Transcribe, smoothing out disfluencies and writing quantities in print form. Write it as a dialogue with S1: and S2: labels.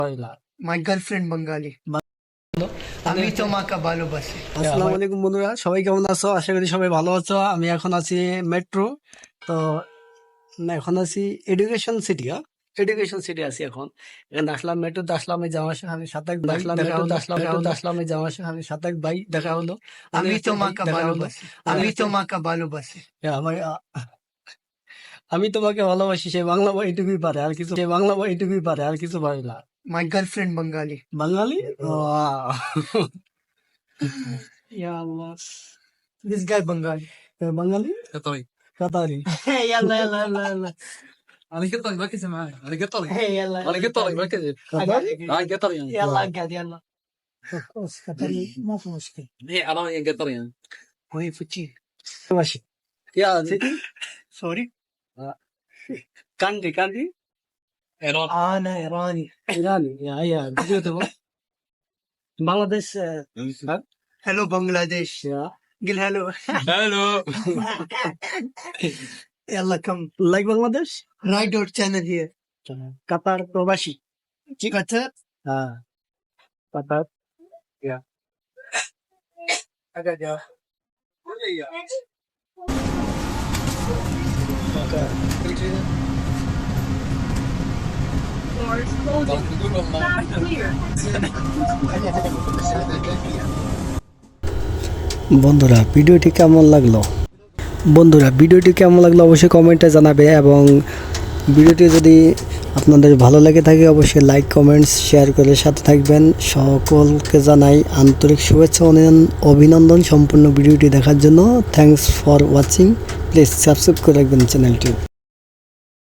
S1: মাই girlfriend বাঙালি। আমি তোমাকে ভালোবাসি।
S2: আসসালামু আলাইকুম বন্ধুরা, সবাই কেমন আছো? আশা করি সবাই ভালো আছো। আমি এখন আছি মেট্রো, তো এখন আছি এডুকেশন সিটি। এডুকেশন সিটি আছি এখন। এখানে আসলাম, মেট্রোতে আসলাম, এই জামার সাথে সাতাক ভাই দেখা হলো। আসলাম এই জামার সাথে সাতাক ভাই দেখা হলো।
S1: আমি তোমাকে ভালোবাসি। আমি তোমাকে ভালোবাসি।
S2: আমার আমি তোমাকে ভালোবাসি, সে বাংলা বই এটুকুই পারে, আর কিছু পারে না।
S1: My girlfriend Bangali.
S2: বাঙালি? ইয়া আল্লাহ,
S1: this guy Bangali.
S2: Bangali
S3: قطري
S2: Qatari.
S1: يلا يلا يلا يلا
S3: انا قطري مركز معي انا قطري
S1: يلا
S3: انا قطري مركز
S2: Qatari
S3: انا قطري يعني
S1: يلا اقعد يلا. خلاص قطري ما في مشكلة.
S3: هي عربية قطري يعني
S1: وهي فتشي.
S2: মাসি
S3: يا
S1: سوري.
S2: কান্ট্রি
S3: ايران
S1: انا ايراني.
S2: ইরানি। ইয়া ভিডিও দেবো। Bangladesh.
S1: هلو بنغلاديش. قل هلو.
S3: هلو
S1: يلا كم.
S2: Like Bangladesh.
S1: رايد اور channel here.
S2: Qatar প্রবাসী।
S1: قطر.
S2: হ্যাঁ, কাতার।
S1: اقعد يا.
S2: বন্ধুরা ভিডিওটি কেমন লাগলো অবশ্যই কমেন্টে জানাবে, এবং ভিডিওটি যদি আপনাদের ভালো লেগে থাকে অবশ্যই লাইক কমেন্টস শেয়ার করে সাথে থাকবেন। সকলকে জানাই আন্তরিক শুভেচ্ছা অভিনন্দন সম্পূর্ণ ভিডিওটি দেখার জন্য। Thanks for watching. Please subscribe করে রাখবেন চ্যানেলটি।